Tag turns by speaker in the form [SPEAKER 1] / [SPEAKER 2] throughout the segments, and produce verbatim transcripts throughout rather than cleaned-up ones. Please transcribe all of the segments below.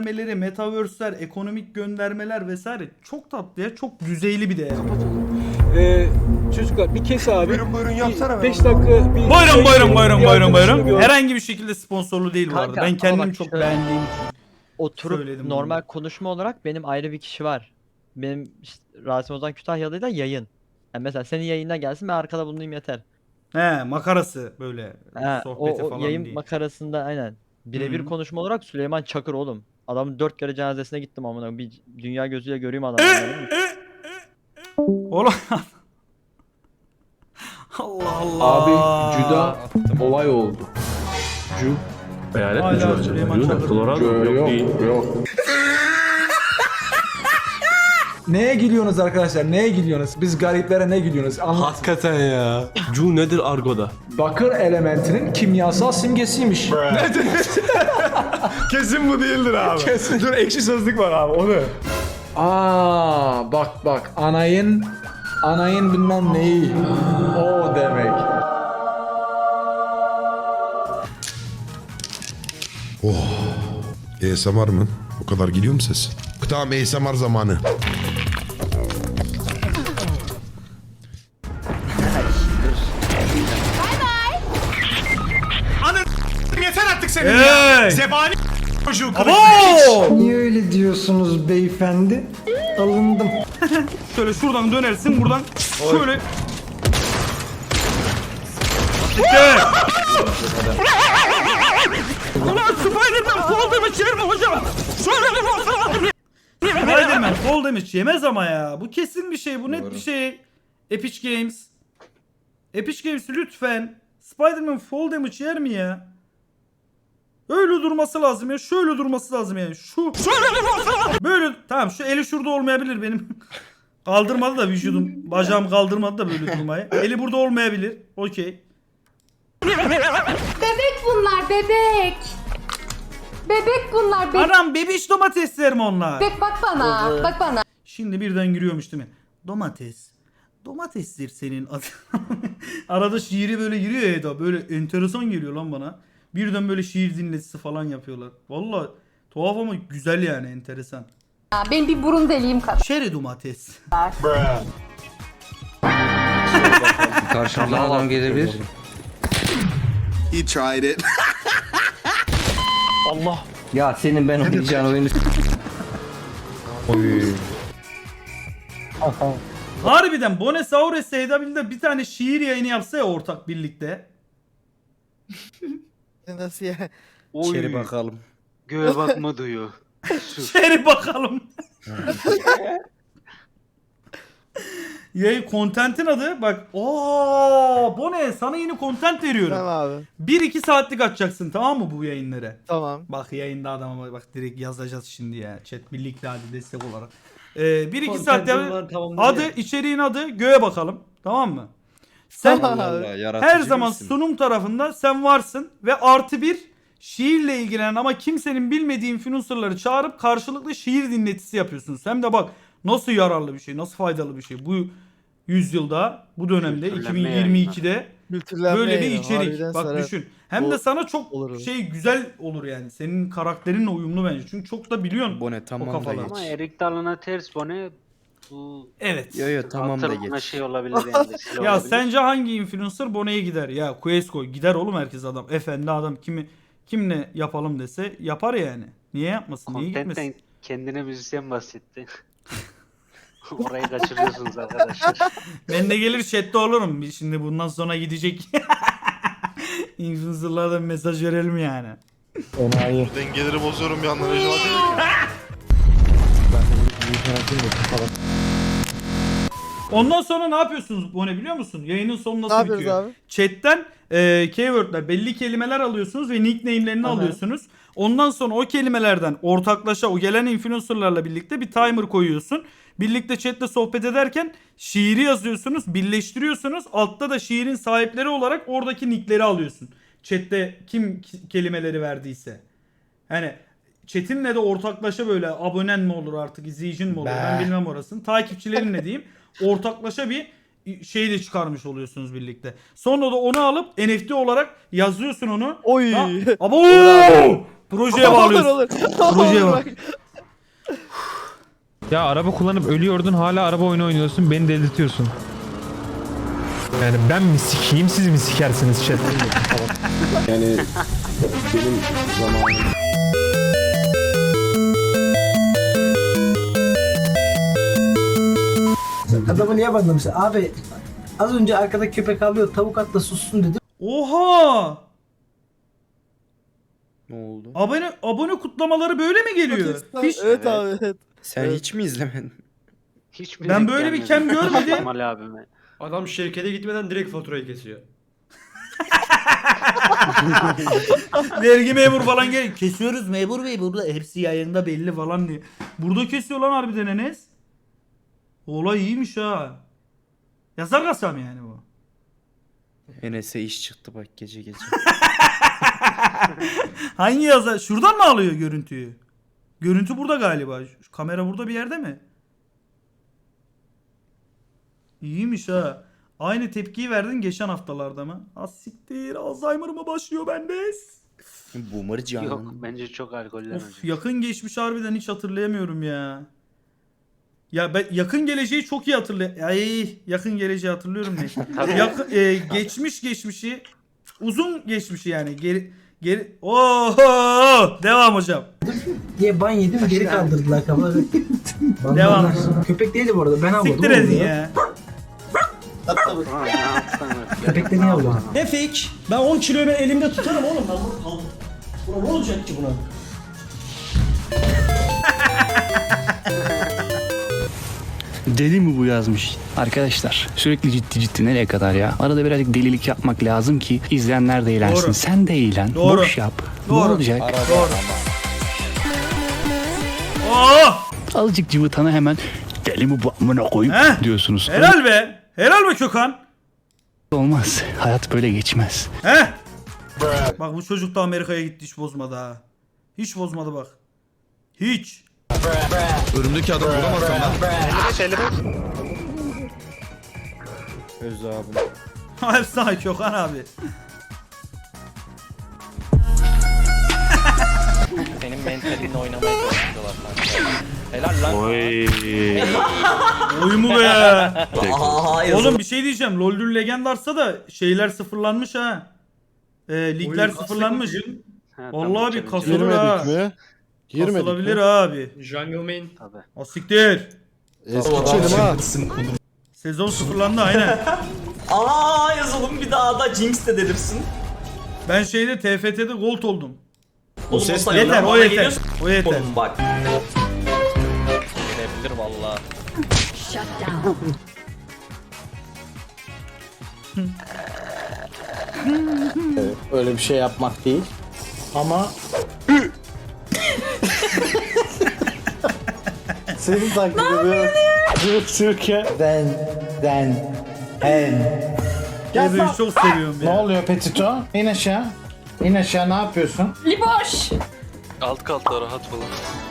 [SPEAKER 1] göndermeleri, metaverse'ler, ekonomik göndermeler vesaire çok tatlı ya. Çok düzeyli bir değer.
[SPEAKER 2] Ee, çocuklar bir kes abi.
[SPEAKER 3] Buyurun buyurun yapsana.
[SPEAKER 2] beş dakika bir
[SPEAKER 1] Buyurun
[SPEAKER 2] şey-
[SPEAKER 1] buyurun buyurun
[SPEAKER 2] bir
[SPEAKER 1] buyurun
[SPEAKER 2] arkadaşını
[SPEAKER 1] buyurun.
[SPEAKER 2] gör.
[SPEAKER 1] Herhangi bir şekilde sponsorlu değil bu
[SPEAKER 4] Kanka,
[SPEAKER 1] arada. Ben
[SPEAKER 4] ama
[SPEAKER 1] kendim
[SPEAKER 4] bak
[SPEAKER 1] çok
[SPEAKER 4] şöyle-
[SPEAKER 1] beğendiğim için.
[SPEAKER 4] Oturup
[SPEAKER 1] Söyledim
[SPEAKER 4] normal
[SPEAKER 1] bunu.
[SPEAKER 4] konuşma olarak benim ayrı bir kişi var. Benim işte, Rasim Ozan Kütahyalı'yla yayın. Yani mesela senin yayına gelsin ben arkada bulunayım yeter.
[SPEAKER 1] He, makarası böyle
[SPEAKER 4] Ha, o,
[SPEAKER 1] sohbeti
[SPEAKER 4] o
[SPEAKER 1] falan
[SPEAKER 4] yayın
[SPEAKER 1] değil.
[SPEAKER 4] makarasında aynen. Birebir
[SPEAKER 1] Hı.
[SPEAKER 4] konuşma olarak Süleyman Çakır oğlum. Adamın dört kere cenazesine gittim amına bir dünya gözüyle göreyim adamı. anladın mı?
[SPEAKER 1] Oğlum. Allah Allah.
[SPEAKER 5] Abi Cüda olay oldu. Cü
[SPEAKER 6] Hayalet
[SPEAKER 1] Hala
[SPEAKER 6] gücü var
[SPEAKER 1] Süleyman
[SPEAKER 6] acaba?
[SPEAKER 1] Çakır.
[SPEAKER 6] Colorado
[SPEAKER 5] Cü-
[SPEAKER 6] yok,
[SPEAKER 5] yok
[SPEAKER 6] değil.
[SPEAKER 5] yok.
[SPEAKER 7] Neye gülüyorsunuz arkadaşlar? Neye gülüyorsunuz? Biz gariplere ne gülüyorsunuz? Anlat.
[SPEAKER 6] Hakikaten ya. Cu nedir argoda?
[SPEAKER 7] Bakır elementinin kimyasal simgesiymiş.
[SPEAKER 3] Kesin bu değildir abi. Kesin. Dur ekşi sözlük var abi onu.
[SPEAKER 7] Aa bak bak anayın anayın bilmem neyi. O demek.
[SPEAKER 8] A S M R mı? O kadar geliyor mu ses? Tamam A S M R zamanı.
[SPEAKER 3] Yeter artık senin
[SPEAKER 1] Hey!
[SPEAKER 3] ya. Zebani çocuğu kılıç.
[SPEAKER 1] Abo!
[SPEAKER 9] Niye öyle diyorsunuz beyefendi? Alındım.
[SPEAKER 1] Şöyle şuradan dönersin buradan şöyle. İşte. Ulan Spiderman fall damage yer mi hocam? Şöyle bir baksana. Spiderman fall damage yemez ama ya. Bu kesin bir şey. Bu net bir şey. Epic Games. Epic Games lütfen. Spiderman fall damage yer mi ya? Öyle durması lazım ya. Şöyle durması lazım yani. Şu. Şöyle bir baksana. Böyle. Tamam şu eli şurada olmayabilir benim. Kaldırmadı da vücudum. Bacağım kaldırmadı da böyle durmayı. Eli burada olmayabilir. Okey.
[SPEAKER 10] Bebek bunlar bebek. Bebek bunlar bebek.
[SPEAKER 1] Anam bebiş domatesler mi onlar?
[SPEAKER 10] Bebek bak bana. Bak bana.
[SPEAKER 1] Şimdi birden giriyormuş değil mi? Domates. Domatesdir senin adın. Arada şiiri böyle giriyor ya Eda. Böyle enteresan geliyor lan bana. Birden böyle şiir dinletisi falan yapıyorlar. Vallahi tuhaf ama güzel yani enteresan.
[SPEAKER 10] Benim bir burun deliğim kadar.
[SPEAKER 1] Şeri domates.
[SPEAKER 11] Karşımdan adam gelebilir.
[SPEAKER 3] He tried it.
[SPEAKER 4] Allah.
[SPEAKER 11] Ya senin ben oynayacağın oyunu... Oy.
[SPEAKER 1] Harbiden Bonesaurus Seydabil'de bir tane şiir yayını yapsa ya ortak birlikte.
[SPEAKER 9] Nasıl ya?
[SPEAKER 11] İçeri bakalım.
[SPEAKER 2] Göğe bakma duyuyor.
[SPEAKER 1] Şeri bakalım. Yayın kontentin adı bak. Oo, bu ne? Sana yeni kontent veriyorum.
[SPEAKER 9] Tamam abi.
[SPEAKER 1] bir iki saatlik açacaksın tamam mı bu yayınları?
[SPEAKER 9] Tamam.
[SPEAKER 1] Bak yayında adama bak direkt yazacağız şimdi ya. Chat birlikte hadi destek olarak. Ee, bir iki saat ya, adı içeriğin adı göğe bakalım. Tamam mı? Sen
[SPEAKER 9] Tamam abi.
[SPEAKER 1] her zaman sunum tarafında sen varsın ve artı bir şiirle ilgilenen ama kimsenin bilmediği influencerları çağırıp karşılıklı şiir dinletisi yapıyorsunuz. Hem de bak nasıl yararlı bir şey, nasıl faydalı bir şey. Bu yüzyılda, bu dönemde iki bin yirmi ikide böyle bir içerik. Bak düşün. Hem
[SPEAKER 9] O-
[SPEAKER 1] de sana çok
[SPEAKER 9] olur.
[SPEAKER 1] şey güzel olur yani. Senin karakterinle uyumlu bence. Çünkü çok da biliyorsun
[SPEAKER 11] Bone tamam
[SPEAKER 1] o
[SPEAKER 11] da
[SPEAKER 1] kafalar.
[SPEAKER 11] geç.
[SPEAKER 2] Ama Erik Dalı'na ters bone bu
[SPEAKER 1] Evet.
[SPEAKER 11] Yo yo tamam da
[SPEAKER 2] hatırlama
[SPEAKER 11] geç.
[SPEAKER 2] şey olabilir yani. vesile
[SPEAKER 1] Ya
[SPEAKER 2] olabilir.
[SPEAKER 1] sence hangi influencer Bone'ye gider? Ya Questco gider oğlum herkes adam. Efendi adam kimi kimle yapalım dese yapar yani. Niye yapmasın? Niye gitmesin?
[SPEAKER 2] Content'ten kendine müzisyen bahsetti. Orayı kaçırıyorsunuz arkadaşlar.
[SPEAKER 1] Ben de gelir chatte olurum. Biz Şimdi bundan sonra gidecek. Influencer'lara da bir mesaj verelim yani.
[SPEAKER 7] Enayi.
[SPEAKER 3] Dengeleri bozuyorum bir yandan. Recep
[SPEAKER 1] Ondan sonra ne yapıyorsunuz Bone biliyor musun? Yayının sonu
[SPEAKER 9] Ne
[SPEAKER 1] nasıl
[SPEAKER 9] yapıyoruz
[SPEAKER 1] bitiyor?
[SPEAKER 9] abi?
[SPEAKER 1] Chat'ten e, keywordler, belli kelimeler alıyorsunuz ve nickname'lerini
[SPEAKER 9] Aha.
[SPEAKER 1] alıyorsunuz. Ondan sonra o kelimelerden ortaklaşa o gelen influencerlarla birlikte bir timer koyuyorsun. Birlikte chatte sohbet ederken şiiri yazıyorsunuz, birleştiriyorsunuz. Altta da şiirin sahipleri olarak oradaki nickleri alıyorsun. Chatte kim ki- kelimeleri verdiyse. Hani chatinle de ortaklaşa böyle abonen mi olur artık, izleyicin mi olur ben bilmem orasını. Takipçilerin ne diyeyim? Ortaklaşa bir şey de çıkarmış oluyorsunuz birlikte. Sonra da onu alıp N F T olarak yazıyorsun onu.
[SPEAKER 9] Oy.
[SPEAKER 1] Ha, abo! Projeye bağlıyoruz. Projeye bak.
[SPEAKER 6] Ya araba kullanıp ölüyordun hala araba oyunu oynuyorsun beni delirtiyorsun. Yani ben mi sikeyim siz mi sikersiniz chat?
[SPEAKER 5] Yani benim zamanım.
[SPEAKER 9] Adamı niye banlamış? Abi az önce arkada köpek avlıyor, tavuk atla sussun dedim.
[SPEAKER 1] Oha!
[SPEAKER 11] Ne oldu?
[SPEAKER 1] Abone abone kutlamaları böyle mi geliyor? Hiç,
[SPEAKER 11] Evet abi evet. Sen hiç mi izlemedin?
[SPEAKER 2] Hiç mi
[SPEAKER 1] Ben
[SPEAKER 2] denk
[SPEAKER 1] böyle bir
[SPEAKER 2] gelmedi?
[SPEAKER 1] kem görmedim.
[SPEAKER 2] Kemal abime.
[SPEAKER 5] Adam şirkete gitmeden direkt faturayı kesiyor.
[SPEAKER 1] Vergi memur falan gel. Kesiyoruz memur bey burada hepsi yayında belli falan diye. Burada kesiyor lan harbiden Enes. Olay iyiymiş ha. Yazar kasam yani bu.
[SPEAKER 11] Enes'e iş çıktı bak gece gece.
[SPEAKER 1] Hangi yazar? Şuradan mı alıyor görüntüyü? Görüntü burada galiba. Şu kamera burada bir yerde mi? İyiymiş ha. Aynı tepkiyi verdin geçen haftalarda mı? Az siktir. Alzheimer mı başlıyor bende?
[SPEAKER 11] Boomer canım.
[SPEAKER 2] Yok bence çok alkollenecek.
[SPEAKER 1] Of yakın geçmiş harbiden hiç hatırlayamıyorum ya. Ya ben yakın geleceği çok iyi hatırlıyorum. Ay yakın geleceği hatırlıyorum ne?
[SPEAKER 2] Tabii.
[SPEAKER 1] Yakın, e, geçmiş geçmişi uzun geçmişi yani geri geri oho devam hocam.
[SPEAKER 9] Diye ban yedim, geri kaldırdılar kafaları.
[SPEAKER 1] Devam.
[SPEAKER 9] Köpek değildi bu arada, ben avladım.
[SPEAKER 1] Siktir edin ya.
[SPEAKER 2] Ulan ne yapsan öyle.
[SPEAKER 9] Köpekleri niye avladın?
[SPEAKER 5] Ne fake? Ben on kiloyu ben elimde tutarım oğlum. Ben bunu aldım. Buna ne olacak ki buna?
[SPEAKER 12] Deli mi bu yazmış? Arkadaşlar sürekli ciddi ciddi nereye kadar ya? Arada birazcık delilik yapmak lazım ki izleyenler de eğlensin.
[SPEAKER 1] Doğru.
[SPEAKER 12] Sen de eğlen.
[SPEAKER 1] Doğru.
[SPEAKER 12] Boş yap.
[SPEAKER 1] Doğru.
[SPEAKER 12] Ne olacak?
[SPEAKER 1] Doğru. Oh!
[SPEAKER 12] Azıcık cıvıtana hemen deli mi bu amına koyup
[SPEAKER 1] Heh.
[SPEAKER 12] diyorsunuz.
[SPEAKER 1] Helal be. Helal be Kökan.
[SPEAKER 12] Olmaz. Hayat böyle geçmez.
[SPEAKER 1] He? Bak bu çocuk da Amerika'ya gitti hiç bozmadı ha. Hiç bozmadı bak. Hiç.
[SPEAKER 3] Önümdeki adam vuramazsam lan.
[SPEAKER 11] Öz abim.
[SPEAKER 1] Efsane Kökan abi.
[SPEAKER 4] Senin mentalinle oynamaya çalışıyorlar. Helal lan.
[SPEAKER 6] Oy.
[SPEAKER 1] Oy mu be? Oğlum bir şey diyeceğim. LoL'dür Legendars'a da şeyler sıfırlanmış ha. Ee, ligler sıfırlanmış.
[SPEAKER 2] Ha,
[SPEAKER 1] Vallahi
[SPEAKER 2] tabii,
[SPEAKER 1] bir
[SPEAKER 2] tabii,
[SPEAKER 1] kasılır ha.
[SPEAKER 3] mi?
[SPEAKER 1] Kasılabilir abi.
[SPEAKER 5] Jungle main.
[SPEAKER 2] tabii.
[SPEAKER 1] O siktir.
[SPEAKER 3] Eski çelim ha.
[SPEAKER 1] Sezon sıfırlandı aynen.
[SPEAKER 5] Aa yazalım bir daha da Jinx de delirsin.
[SPEAKER 1] Ben şeyde T F T'de gold oldum.
[SPEAKER 5] O ses ne
[SPEAKER 1] Yeter
[SPEAKER 5] lan?
[SPEAKER 1] o
[SPEAKER 5] Bana
[SPEAKER 1] yeter.
[SPEAKER 5] geliyorsun.
[SPEAKER 1] O yeter.
[SPEAKER 5] Oğlum bak.
[SPEAKER 4] Gelebilir valla.
[SPEAKER 11] Öyle bir şey yapmak değil. Ama senin taklit ediyorum. Cıvık sürke. Den, den, hen.
[SPEAKER 1] Ebe'yi çok seviyorum
[SPEAKER 11] Ne
[SPEAKER 1] ya.
[SPEAKER 11] oluyor Petito? İn aşağı. İn aşağı ne yapıyorsun?
[SPEAKER 10] Liboş.
[SPEAKER 12] Alt kalta rahat falan.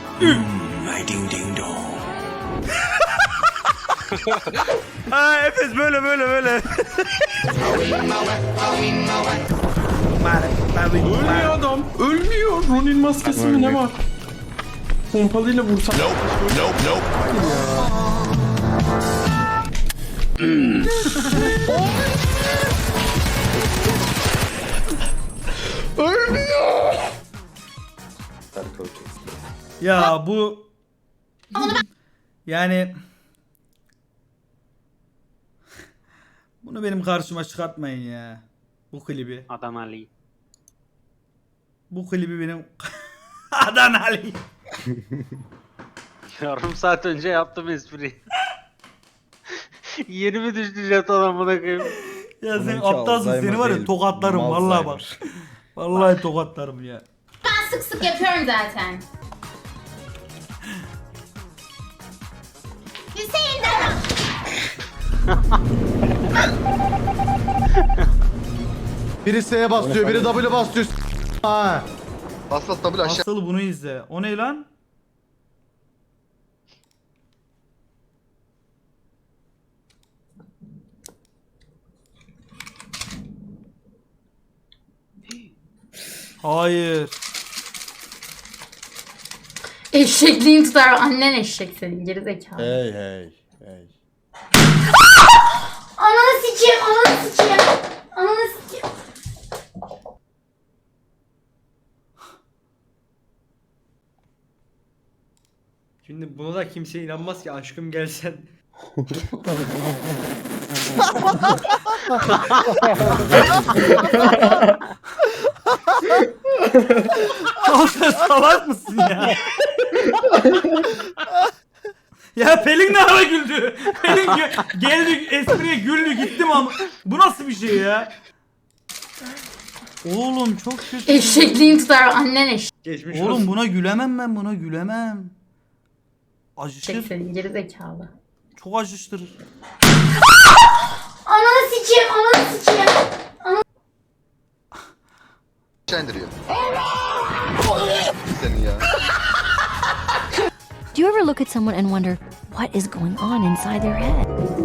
[SPEAKER 1] Ha Efes böyle böyle böyle.
[SPEAKER 6] Ölmüyor adam. Ölmüyor. Ronin maskesi mi ne var? Pompalıyla vursak.
[SPEAKER 1] Ya bu yani bunu benim karşıma çıkartmayın ya. Bu klibi.
[SPEAKER 2] Adam Ali.
[SPEAKER 1] Bu klibi benim Adana Ali.
[SPEAKER 2] Yarım saat önce yaptım espriyi. Yeni mi düştü jeton amına koyayım?
[SPEAKER 1] Ya sen
[SPEAKER 11] Onunki
[SPEAKER 1] aptalsın seni var ya
[SPEAKER 11] değil,
[SPEAKER 1] tokatlarım vallahi bak. Vallahi tokatlarım ya.
[SPEAKER 10] Ben sık sık yapıyorum zaten. Hüseyin de.
[SPEAKER 3] Biri S'ye basıyor, biri W basıyor. Ha. Bas bas W aşağı.
[SPEAKER 1] Asıl bunu izle. O ne lan? Hayır.
[SPEAKER 10] Eşekliğin tutar. Annen eşek senin gerizekalı.
[SPEAKER 11] Hey hey hey.
[SPEAKER 10] Ananı sikeyim, ananı sikeyim. Ananı sikeyim.
[SPEAKER 5] Şimdi buna da kimse inanmaz ki aşkım gelsen.
[SPEAKER 1] Oğlum sen salak mısın ya? Ya Pelin ne ara güldü? Pelin gö- geldi espriye güldü gittim ama bu nasıl bir şey ya? Oğlum çok kötü.
[SPEAKER 10] Eşekliğin tutar. Annen eşek
[SPEAKER 5] Geçmiş
[SPEAKER 1] Oğlum
[SPEAKER 5] olsun.
[SPEAKER 1] buna gülemem ben buna gülemem. Acıştır.
[SPEAKER 10] senin gerizekalı.
[SPEAKER 1] Çok acıştırır.
[SPEAKER 10] Ananı sikeyim, ananı sikeyim.
[SPEAKER 3] Çendiriyor. Seni ya.
[SPEAKER 10] Do you ever look at someone and wonder what is going on inside their head?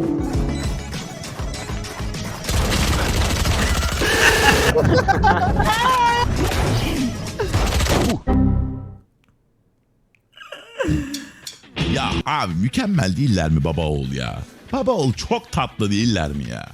[SPEAKER 8] Ya abi mükemmel değiller mi baba oğul ya? Baba oğul çok tatlı değiller mi ya?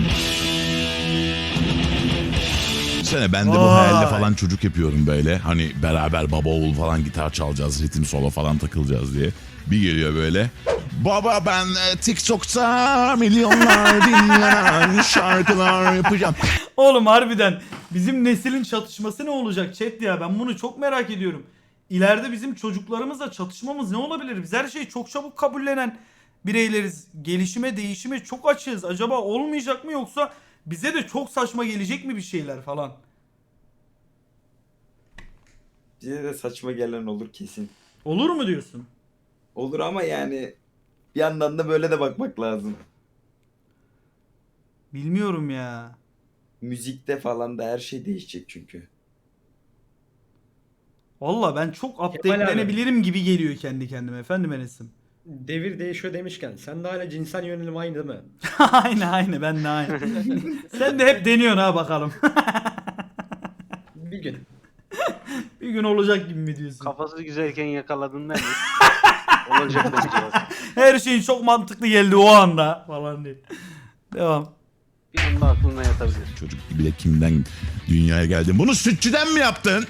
[SPEAKER 8] Sene ben de bu
[SPEAKER 1] Vay.
[SPEAKER 8] hayalle falan çocuk yapıyorum böyle. Hani beraber baba oğul falan gitar çalacağız, ritim solo falan takılacağız diye. Bir geliyor böyle. Baba ben e, TikTok'ta milyonlar dinlenen şarkılar yapacağım.
[SPEAKER 1] Oğlum harbiden bizim neslin çatışması ne olacak chat ya, ben bunu çok merak ediyorum. İleride bizim çocuklarımızla çatışmamız ne olabilir? Biz her şeyi çok çabuk kabullenen bireyleriz. Gelişime, değişime çok açığız. Acaba olmayacak mı, yoksa bize de çok saçma gelecek mi bir şeyler falan?
[SPEAKER 7] Bize de saçma gelen olur kesin.
[SPEAKER 1] Olur mu diyorsun?
[SPEAKER 7] Olur ama yani bir yandan da böyle de bakmak lazım.
[SPEAKER 1] Bilmiyorum ya.
[SPEAKER 7] Müzikte falan da her şey değişecek çünkü.
[SPEAKER 1] Valla ben çok updatelenebilirim gibi geliyor kendi kendime efendim Enes'im.
[SPEAKER 5] Devir değişiyor demişken sen de hala cinsel yönelim aynı değil mi?
[SPEAKER 1] aynı aynı ben de aynı. Sen de hep deniyorsun ha bakalım.
[SPEAKER 5] Bir gün.
[SPEAKER 1] Bir gün olacak gibi mi diyorsun?
[SPEAKER 2] Kafası güzelken yakaladın değil mi? Olacak bence.
[SPEAKER 1] Her şeyin çok mantıklı geldi o anda falan diye. Devam.
[SPEAKER 2] Bir anda aklına yatabilir.
[SPEAKER 8] Çocuk bile kimden dünyaya geldin? Bunu sütçüden mi yaptın?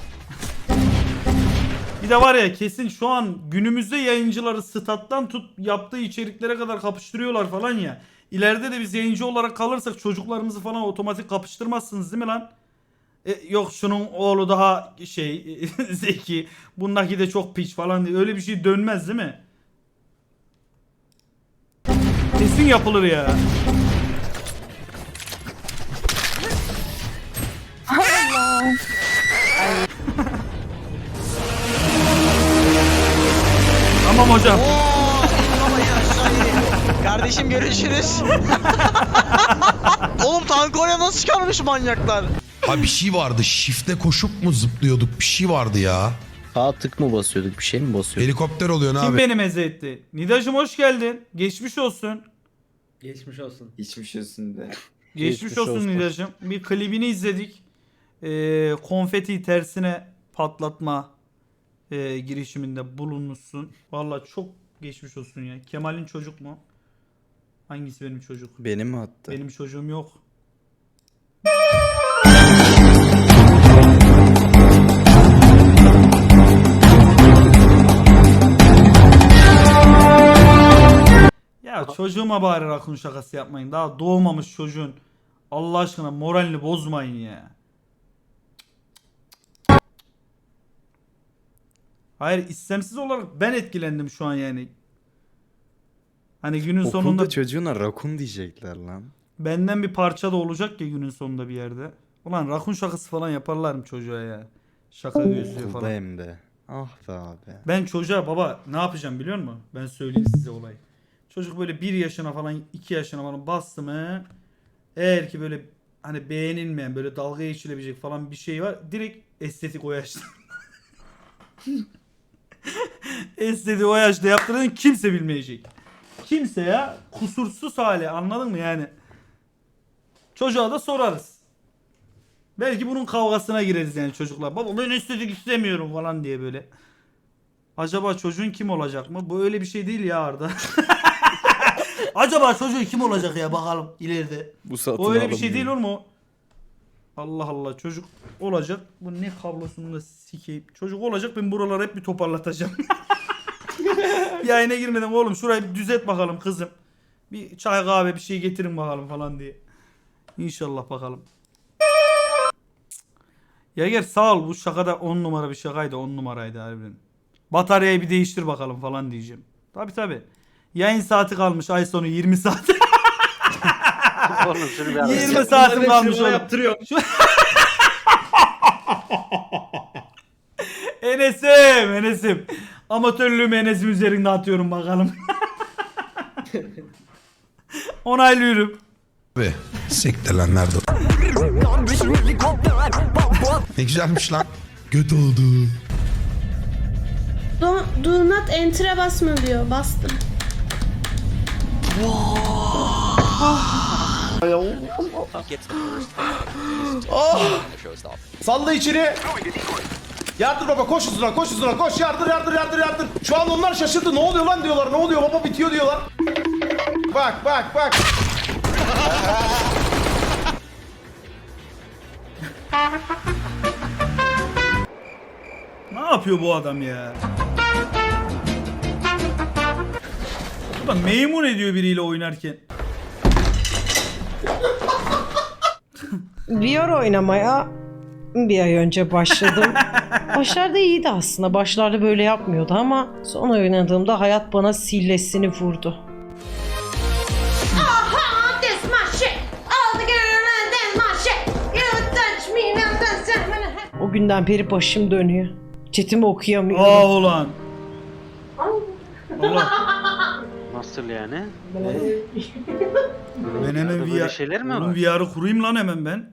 [SPEAKER 1] Bir de var ya, kesin şu an günümüzde yayıncıları stat'tan tut yaptığı içeriklere kadar kapıştırıyorlar falan ya. İleride de biz yayıncı olarak kalırsak çocuklarımızı falan otomatik kapıştırmazsınız değil mi lan? E, yok şunun oğlu daha şey zeki, bundaki de çok piç falan diye öyle bir şey dönmez değil mi? Kesin yapılır ya. Tamam hocam.
[SPEAKER 11] Kardeşim görüşürüz. Oğlum tank oraya nasıl çıkarmış manyaklar?
[SPEAKER 8] Ha bir şey vardı. Shift'e koşup mu zıplıyorduk? Bir şey vardı ya.
[SPEAKER 11] Sağ tık mı basıyorduk? Bir şey mi basıyorduk?
[SPEAKER 8] Helikopter oluyor ne
[SPEAKER 1] Kim
[SPEAKER 8] abi?
[SPEAKER 1] beni meze etti? Nidacım hoş geldin. Geçmiş olsun.
[SPEAKER 5] Geçmiş olsun.
[SPEAKER 7] Geçmiş olsun de.
[SPEAKER 1] Geçmiş,
[SPEAKER 11] Geçmiş
[SPEAKER 1] olsun,
[SPEAKER 11] olsun.
[SPEAKER 1] Nidacım. Bir klibini izledik. Ee, konfeti tersine patlatma e, girişiminde bulunmuşsun. Vallahi çok geçmiş olsun ya. Kemal'in çocuk mu? Hangisi benim çocuk?
[SPEAKER 11] Benim mi attı?
[SPEAKER 1] Benim çocuğum yok. Ya çocuğuma bari rakun şakası yapmayın. Daha doğmamış çocuğun. Allah aşkına moralini bozmayın ya. Hayır, istemsiz olarak ben etkilendim şu an yani. Hani günün sonunda
[SPEAKER 11] çocuğuna rakun diyecekler lan.
[SPEAKER 1] benden bir parça da olacak ya günün sonunda bir yerde. Ulan rakun şakası falan yaparlar mı çocuğa ya? Şaka gözlüğü falan.
[SPEAKER 11] hem de. Ah be abi.
[SPEAKER 1] Ben çocuğa baba ne yapacağım biliyor musun? Ben söyleyeyim size olayı. Çocuk böyle bir yaşına falan iki yaşına falan bastı mı, eğer ki böyle hani beğenilmeyen böyle dalga geçilebilecek falan bir şey var, direkt estetik o yaşta. Estetik o yaşta yaptığını kimse bilmeyecek. Kimse ya, kusursuz hali, anladın mı yani? Çocuğa da sorarız. Belki bunun kavgasına gireriz yani çocuklar. Baba ben estetik istemiyorum falan diye böyle. Acaba çocuğun kim olacak mı? Bu öyle bir şey değil ya Arda. Acaba çocuğun kim olacak ya bakalım ileride.
[SPEAKER 11] Bu
[SPEAKER 1] O öyle bir şey değil oğlum o. Allah Allah çocuk olacak. Bu ne kablosunu da sikeyim. Çocuk olacak ben buraları hep bir toparlatacağım. Yayına girmeden oğlum şurayı bir düzelt bakalım kızım. Bir çay kahve bir şey getirin bakalım falan diye. İnşallah bakalım. Yager sağ ol bu şakada on numara bir şakaydı on numaraydı harbiden. Bataryayı bir değiştir bakalım falan diyeceğim. Tabi tabi. Yayın saati kalmış ay sonu yirmi saat.
[SPEAKER 2] Oğlum şunu bir ara-
[SPEAKER 1] yirmi saatim kalmış oğlum. Şu... Enes'im Enes'im. Amatörlüğümü Enes'im üzerinde atıyorum bakalım. Onaylıyorum.
[SPEAKER 8] Abi siktir lan nerede? Ne güzelmiş lan. Göt oldu.
[SPEAKER 10] Do, do not enter'e basma diyor. Bastım.
[SPEAKER 3] Salla içeri. Yardır baba koş hızına koş hızına koş yardır yardır yardır yardır. Şu an onlar şaşırdı ne oluyor lan diyorlar ne oluyor baba bitiyor diyorlar. Bak bak bak.
[SPEAKER 1] Ne yapıyor bu adam ya? Ulan meymun ediyor biriyle oynarken.
[SPEAKER 9] V R oynamaya bir ay önce başladım. Başlarda iyiydi aslında. Başlarda böyle yapmıyordu ama son oynadığımda hayat bana sillesini vurdu.
[SPEAKER 10] Aha, this my shit. All the girl and that's my shit. You touch me now, that's my...
[SPEAKER 9] O günden beri başım dönüyor. Chatimi okuyamıyorum.
[SPEAKER 1] Aa ulan. Allah.
[SPEAKER 2] Nasıl yani?
[SPEAKER 1] Ben hemen
[SPEAKER 2] Böyle
[SPEAKER 1] V R,
[SPEAKER 2] şeyler mi
[SPEAKER 1] oğlum
[SPEAKER 2] var?
[SPEAKER 1] V R'ı kurayım lan hemen ben.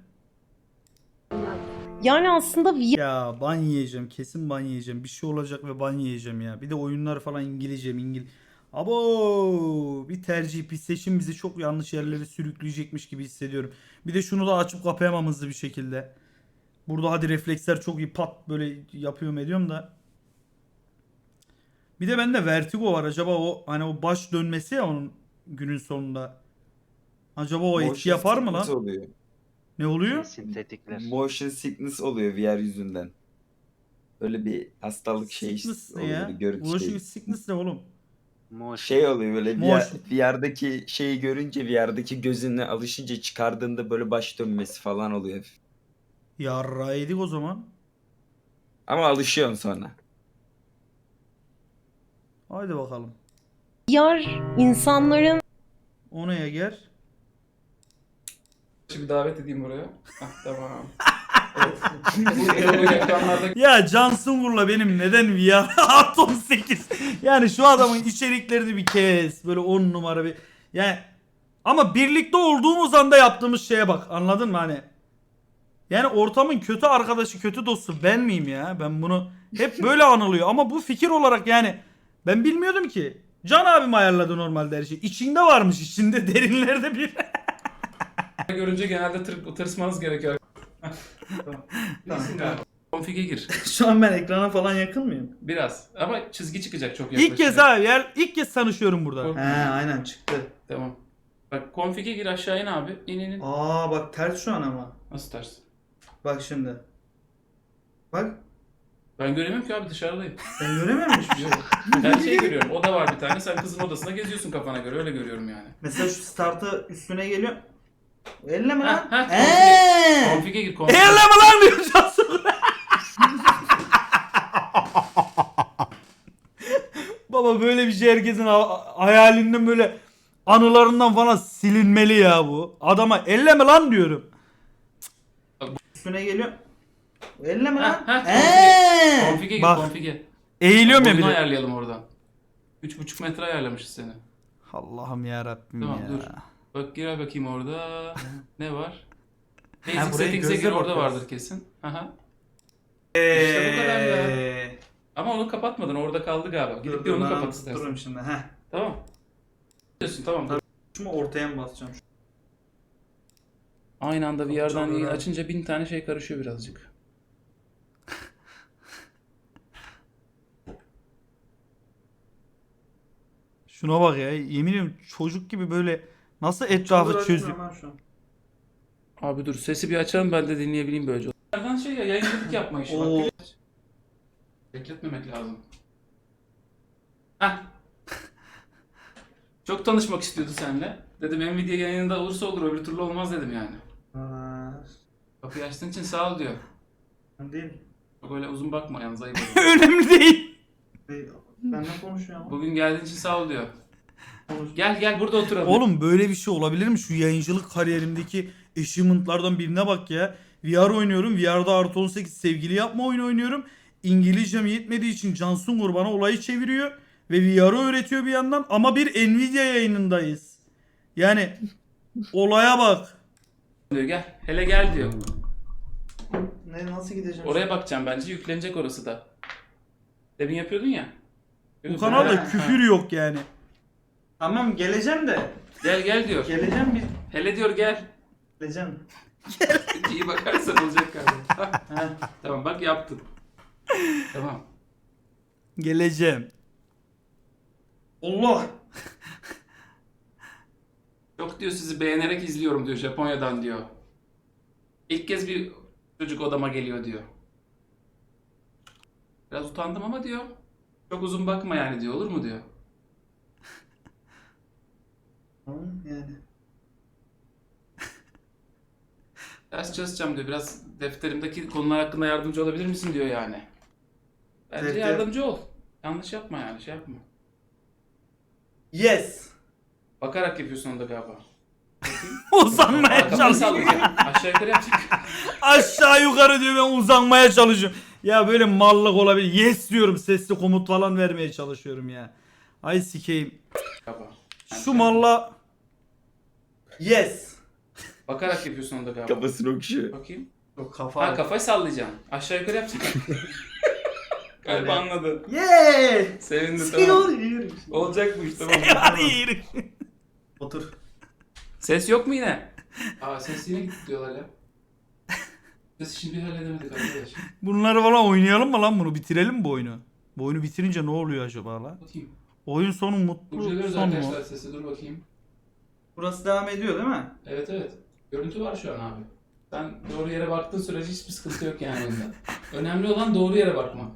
[SPEAKER 9] Yani aslında V R
[SPEAKER 1] Ya ban yiyeceğim kesin ban yiyeceğim. Bir şey olacak ve ban yiyeceğim ya. Bir de oyunlar falan İngilizce mi İngil. Abo bir tercih bir seçim bizi çok yanlış yerlere sürükleyecekmiş gibi hissediyorum. Bir de şunu da açıp kapayamam hızlı bir şekilde. Burada hadi refleksler çok iyi pat böyle yapıyorum ediyorum da. Bir de bende vertigo var. Acaba o hani o baş dönmesi ya onun günün sonunda. Acaba o etki yapar mı lan?
[SPEAKER 13] Oluyor.
[SPEAKER 1] Ne oluyor?
[SPEAKER 2] Sintetikler.
[SPEAKER 13] Motion sickness oluyor V R yüzünden. Böyle bir hastalık şey
[SPEAKER 1] Sickness ne
[SPEAKER 13] oluyor.
[SPEAKER 1] ya?
[SPEAKER 13] böyle görüntü
[SPEAKER 1] Motion
[SPEAKER 13] şey.
[SPEAKER 1] sickness ne oğlum?
[SPEAKER 2] Moş.
[SPEAKER 13] Şey oluyor böyle
[SPEAKER 1] Motion.
[SPEAKER 13] V R'daki şeyi görünce V R'daki gözüne alışınca çıkardığında böyle baş dönmesi falan oluyor.
[SPEAKER 1] Yarra yedik o zaman.
[SPEAKER 13] Ama alışıyorsun sonra.
[SPEAKER 1] Haydi bakalım.
[SPEAKER 9] V R insanların
[SPEAKER 1] O neye gel?
[SPEAKER 7] Şimdi davet edeyim buraya. Hah, tamam. Evet. Bu ekranlarda
[SPEAKER 1] Ya Can Sungur'la benim neden V R artı on sekiz? Yani şu adamın içeriklerini bir kes. Böyle on numara bir. Yani ama birlikte olduğumuz anda yaptığımız şeye bak. Anladın mı hani? Yani ortamın kötü arkadaşı, kötü dostu ben miyim ya? Ben bunu hep böyle anılıyor. Ama bu fikir olarak yani ben bilmiyordum ki. Can abim ayarladı normalde her şey. İçinde varmış içinde derinlerde bir.
[SPEAKER 7] görünce genelde tır, tırsmanız gerekiyor. Tamam. İyisin galiba. Config'e gir.
[SPEAKER 1] Şu an ben ekrana falan yakın mıyım?
[SPEAKER 7] Biraz. Ama çizgi çıkacak çok yaklaşık.
[SPEAKER 1] İlk kez abi yer ilk kez tanışıyorum burada.
[SPEAKER 7] Korkma.
[SPEAKER 1] He aynen çıktı.
[SPEAKER 7] Tamam. Bak config'e gir aşağı in abi. İn in in.
[SPEAKER 1] Aa bak ters şu an ama.
[SPEAKER 7] Nasıl ters?
[SPEAKER 1] Bak şimdi. Bak.
[SPEAKER 7] Ben göremiyorum ki abi dışarıdayım.
[SPEAKER 1] Ben görememiş bir şey.
[SPEAKER 7] Ben şey görüyorum. Oda var bir tane. Sen kızın odasında geziyorsun kafana göre. Öyle görüyorum yani.
[SPEAKER 1] Mesela şu startı üstüne geliyor. Elle mi lan?
[SPEAKER 7] Ha, ha,
[SPEAKER 1] Eee.
[SPEAKER 7] config'e gir config'e.
[SPEAKER 1] Elle mi lan diyor Cansu. Baba böyle bir şey herkesin ha- hayalinden böyle anılarından falan silinmeli ya bu. Adama elle mi lan diyorum. Üstüne geliyor. Elle mi lan?
[SPEAKER 7] Ha, ha,
[SPEAKER 1] Eee.
[SPEAKER 7] config'e gir
[SPEAKER 1] Bak
[SPEAKER 7] config'e.
[SPEAKER 1] eğiliyorum ya bir
[SPEAKER 7] Boyunu
[SPEAKER 1] de.
[SPEAKER 7] ayarlayalım oradan. üç buçuk metre ayarlamışız seni.
[SPEAKER 1] Allah'ım ya Rabbim
[SPEAKER 7] Tamam
[SPEAKER 1] ya.
[SPEAKER 7] dur. Bak gir bakayım orada. Ne var?
[SPEAKER 1] Ha,
[SPEAKER 7] Basic
[SPEAKER 1] buraya
[SPEAKER 7] settings'e
[SPEAKER 1] gözle
[SPEAKER 7] gir orada
[SPEAKER 1] bakıyoruz.
[SPEAKER 7] vardır kesin. Aha. İşte bu kadar ya. Ama onu kapatmadın orada kaldı galiba. Gidip bir onu kapat istersen.
[SPEAKER 1] Dururum şimdi. Heh.
[SPEAKER 7] Tamam. Diyorsun tamam. dur.
[SPEAKER 1] Şunu ortaya mı basacağım?
[SPEAKER 7] Aynı anda V R'dan
[SPEAKER 1] Kapatacağım
[SPEAKER 7] yayın
[SPEAKER 1] böyle.
[SPEAKER 7] açınca bin tane şey karışıyor birazcık.
[SPEAKER 1] Şuna bak ya. Yemin ediyorum çocuk gibi böyle nasıl etrafı çözüyor.
[SPEAKER 7] Abi dur sesi bir açalım ben de dinleyebileyim böylece. Nereden şey ya yayıncılık yapma işi
[SPEAKER 1] Oo.
[SPEAKER 7] bak. Bekletmemek lazım. Heh. Çok tanışmak istiyordu seninle. Dedim Nvidia yayınında olursa olur öbür türlü olmaz dedim yani. Kapıyı açtığın için sağ ol diyor.
[SPEAKER 5] Değil.
[SPEAKER 7] Çok öyle uzun bakma yalnız ayıp olur.
[SPEAKER 1] Önemli değil.
[SPEAKER 5] Benimle konuşuyor ama.
[SPEAKER 7] Bugün geldiğin için sağ ol diyor. Gel gel burada oturalım.
[SPEAKER 1] Oğlum böyle bir şey olabilir mi? Şu yayıncılık kariyerimdeki achievement'lardan birine bak ya. V R oynuyorum. V R'da artı on sekiz sevgili yapma oyunu oynuyorum. İngilizcem yetmediği için Can Sungur bana olayı çeviriyor. Ve V R'ı öğretiyor bir yandan. Ama bir Nvidia yayınındayız. Yani olaya bak.
[SPEAKER 7] diyor gel. Hele gel diyor.
[SPEAKER 5] Ne nasıl gideceğim?
[SPEAKER 7] Oraya bakacağım bence yüklenecek orası da. Demin yapıyordun ya.
[SPEAKER 1] Bu kanalda küfür yok yani.
[SPEAKER 5] Tamam geleceğim de.
[SPEAKER 7] Gel gel diyor.
[SPEAKER 5] Geleceğim bir.
[SPEAKER 7] Hele diyor gel.
[SPEAKER 5] Geleceğim.
[SPEAKER 7] İyi bakarsan olacak galiba. Tamam bak yaptın. Tamam.
[SPEAKER 1] Geleceğim.
[SPEAKER 5] Allah.
[SPEAKER 7] Yok diyor sizi beğenerek izliyorum diyor Japonya'dan diyor. İlk kez bir çocuk odama geliyor diyor. Biraz utandım ama diyor. Çok uzun bakma yani diyor olur mu diyor.
[SPEAKER 5] Tamam yani.
[SPEAKER 7] Ders çalışacağım diyor. Biraz defterimdeki konular hakkında yardımcı olabilir misin diyor yani. Bence
[SPEAKER 5] Defter-
[SPEAKER 7] yardımcı ol. Yanlış yapma yani şey yapma.
[SPEAKER 5] Yes.
[SPEAKER 7] Bakarak yapıyorsun onu da galiba.
[SPEAKER 1] Uzanmaya
[SPEAKER 7] Kafayı
[SPEAKER 1] çalışıyorum.
[SPEAKER 7] sallayacak. Aşağı yukarı yapacak.
[SPEAKER 1] Aşağı yukarı diyor ben uzanmaya çalışıyorum. Ya böyle mallık olabilir. Yes diyorum sesli komut falan vermeye çalışıyorum ya. Ay sikeyim.
[SPEAKER 7] Galiba.
[SPEAKER 1] Şu malla
[SPEAKER 5] Yes.
[SPEAKER 7] Bakarak yapıyorsun onu da galiba.
[SPEAKER 13] Kafasını okşuyor.
[SPEAKER 7] Bakayım.
[SPEAKER 5] Yok kafa.
[SPEAKER 7] Ha kafayı sallayacaksın. Aşağı yukarı yapacaksın. Galiba anladın.
[SPEAKER 5] Yeah.
[SPEAKER 7] Sevindim
[SPEAKER 5] Sen
[SPEAKER 7] tamam.
[SPEAKER 5] oluyor.
[SPEAKER 7] Olacak bu iş tamam.
[SPEAKER 1] hayır.
[SPEAKER 5] Otur.
[SPEAKER 7] Ses yok mu yine? Aa ses yine gitti diyorlar ya. Ses şimdi halledemedik arkadaş.
[SPEAKER 1] Bunları falan oynayalım mı lan bunu? Bitirelim mi bu oyunu? Bu oyunu bitirince ne oluyor acaba lan?
[SPEAKER 7] Bakayım.
[SPEAKER 1] Oyun sonu mutlu
[SPEAKER 7] Kurcalıyoruz
[SPEAKER 1] son mu?
[SPEAKER 7] arkadaşlar sesi dur bakayım.
[SPEAKER 5] Burası devam ediyor değil mi?
[SPEAKER 7] Evet evet. Görüntü var şu an abi. Sen doğru yere baktığın sürece hiçbir sıkıntı yok yani onda. Önemli olan doğru yere bakmak.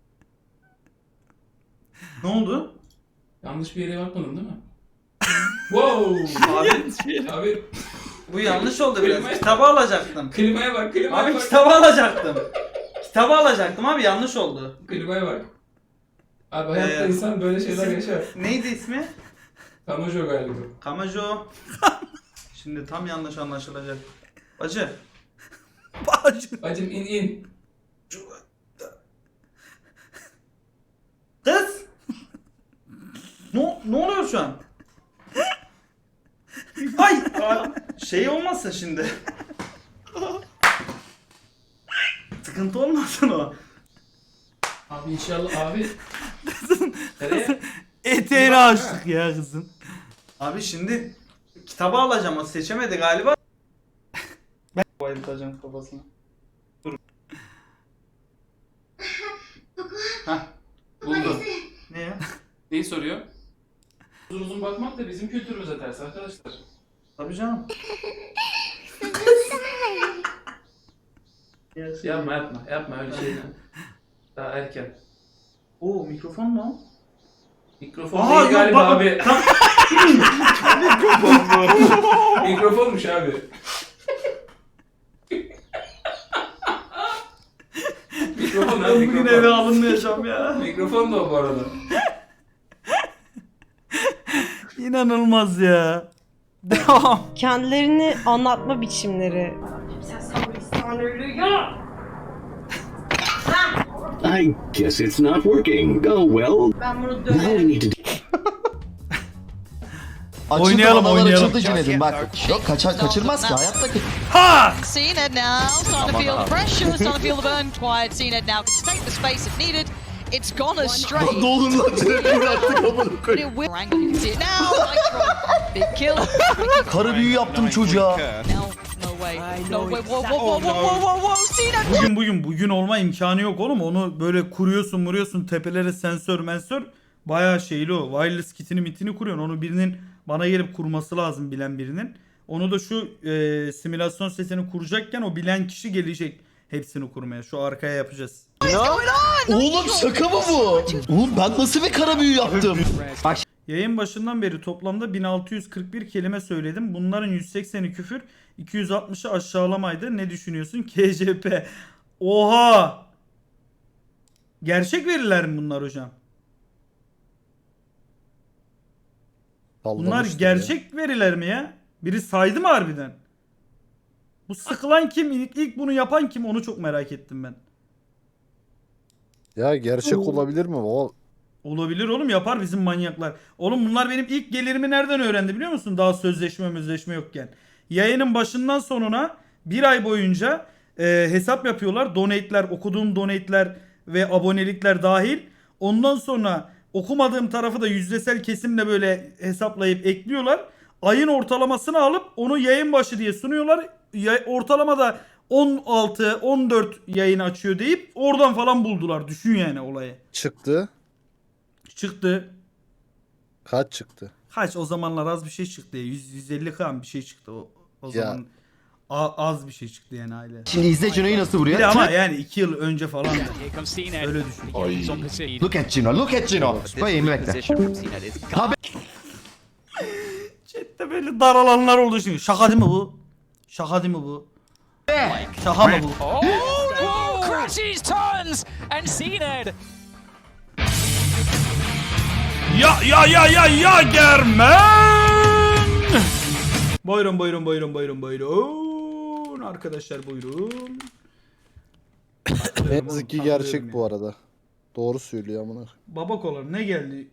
[SPEAKER 5] Ne oldu?
[SPEAKER 7] Yanlış bir yere bakmadın değil mi? Wow!
[SPEAKER 5] Abi,
[SPEAKER 7] Abi
[SPEAKER 5] bu yanlış oldu biraz.
[SPEAKER 7] Klimaya-
[SPEAKER 5] Kitabı alacaktım.
[SPEAKER 7] klimaya bak, klimaya
[SPEAKER 5] Abi
[SPEAKER 7] bak.
[SPEAKER 5] kitabı alacaktım. Kitabı alacaktım abi yanlış oldu.
[SPEAKER 7] Klimaya bak. Abi hayatta
[SPEAKER 5] Ee,
[SPEAKER 7] insan böyle şeyler
[SPEAKER 5] isim-
[SPEAKER 7] yaşar.
[SPEAKER 5] Neydi ismi?
[SPEAKER 7] Kamajo galiba.
[SPEAKER 5] Kamajo. Şimdi tam yanlış anlaşılacak. Bacı.
[SPEAKER 1] Bacım.
[SPEAKER 7] Bacım in in.
[SPEAKER 5] Kız. ne, ne oluyor şu an? Ay. Aa, şey olmasın şimdi. Sıkıntı olmasın o.
[SPEAKER 7] Abi inşallah abi. Nereye?
[SPEAKER 1] Eteğini açtık ya kızın.
[SPEAKER 5] Abi şimdi kitabı alacağım o seçemedi galiba. Ben bayıltacağım kafasına. Dur.
[SPEAKER 7] Hah. Buldum.
[SPEAKER 5] Ne ya?
[SPEAKER 7] Neyi soruyor? Uzun uzun bakmak da bizim kültürümüze ters arkadaşlar.
[SPEAKER 5] Tabii canım.
[SPEAKER 7] Yapma yapma yapma öyle şey. Daha erken.
[SPEAKER 5] Oo mikrofon mu?
[SPEAKER 7] Mikrofon
[SPEAKER 5] Aa,
[SPEAKER 7] değil
[SPEAKER 5] yok,
[SPEAKER 7] galiba
[SPEAKER 5] bak-
[SPEAKER 7] abi. Mikrofonmuş abi. Mikrofon abi
[SPEAKER 5] Ben bugün eve
[SPEAKER 7] mikrofon.
[SPEAKER 5] alınmayacağım ya.
[SPEAKER 7] Mikrofon da o bu arada.
[SPEAKER 1] İnanılmaz ya. Devam.
[SPEAKER 9] Kendilerini anlatma biçimleri.
[SPEAKER 12] I guess it's not working. Oh well.
[SPEAKER 10] Ben bunu
[SPEAKER 12] Now we
[SPEAKER 10] döverim.
[SPEAKER 12] need to
[SPEAKER 1] Oynayalım oynayalım.
[SPEAKER 14] Cinedim bak. Yok kaçar kaçırmaz ki hayatta ki.
[SPEAKER 1] Ha!
[SPEAKER 15] Cena now starting to feel the pressure, starting to feel the burn. Quiet Cena now can take the space if needed. It's gone astray.
[SPEAKER 14] Ne olur lan direkt bıraktık amına
[SPEAKER 15] But
[SPEAKER 14] koyayım.
[SPEAKER 15] it will angle. You can see it now. Nitro, big kill.
[SPEAKER 14] Karı büyü yaptım çocuğa.
[SPEAKER 15] Now, no way. No way. Whoa, whoa, whoa, whoa, whoa, whoa, whoa. Cena.
[SPEAKER 1] Bugün bugün bugün olma imkanı yok oğlum. Onu böyle kuruyorsun vuruyorsun tepelere sensör mensör. Bayağı şeyli o. Wireless kitini mitini kuruyorsun. Onu birinin bana gelip kurması lazım, bilen birinin. Onu da şu e, simülasyon setini kuracakken o bilen kişi gelecek hepsini kurmaya. Şu arkaya yapacağız.
[SPEAKER 14] Oğlum şaka mı bu? Oğlum ben nasıl bir kara büyü yaptım?
[SPEAKER 1] Yayın başından beri toplamda bin altı yüz kırk bir kelime söyledim. Bunların yüz sekseni küfür, iki yüz altmışı aşağılamaydı. Ne düşünüyorsun? K C P. Oha! Gerçek veriler mi bunlar hocam? Bunlar
[SPEAKER 16] Sallamıştır
[SPEAKER 1] gerçek veriler mi ya? Biri saydı mı harbiden? Bu sıkılan kim? İlk, ilk bunu yapan kim? Onu çok merak ettim ben.
[SPEAKER 16] Ya, ya gerçek olabilir mi? O
[SPEAKER 1] Olabilir oğlum, yapar bizim manyaklar. Oğlum bunlar benim ilk gelirimi nereden öğrendi biliyor musun? Daha sözleşme sözleşme yokken. Yayının başından sonuna bir ay boyunca e, hesap yapıyorlar. Donate'ler, okuduğum donate'ler ve abonelikler dahil. Ondan sonra okumadığım tarafı da yüzdesel kesimle böyle hesaplayıp ekliyorlar. Ayın ortalamasını alıp onu yayın başı diye sunuyorlar. Ya, ortalamada on altı on dört yayın açıyor deyip oradan falan buldular. Düşün yani olayı.
[SPEAKER 16] çıktı.
[SPEAKER 1] Çıktı.
[SPEAKER 16] Kaç çıktı?
[SPEAKER 1] Kaç o zamanlar az bir şey çıktı. yüz yüz elli kan bir şey çıktı o, o
[SPEAKER 16] Ya.
[SPEAKER 1] zaman. A- az bir şey çıktı yani aile.
[SPEAKER 14] Şimdi izle Cino'yu nasıl vuruyor.
[SPEAKER 1] Bir de ama yani iki yıl önce falan. Öyle düşün.
[SPEAKER 14] Ay. Look at Cino, look at Cino. Koyayım bekle.
[SPEAKER 1] Chat'te böyle daralanlar oldu şimdi. Şaka değil mi bu? Şaka değil mi bu? Şaka mı bu?
[SPEAKER 17] Crashes, turns, and Zened.
[SPEAKER 1] Ya ya ya ya ya Germen. Buyurun buyurun buyurun buyurun buyurun. Arkadaşlar buyurun.
[SPEAKER 16] Ne yazık ki gerçek bu arada. Doğru söylüyor amına.
[SPEAKER 1] Baba kolar ne geldi?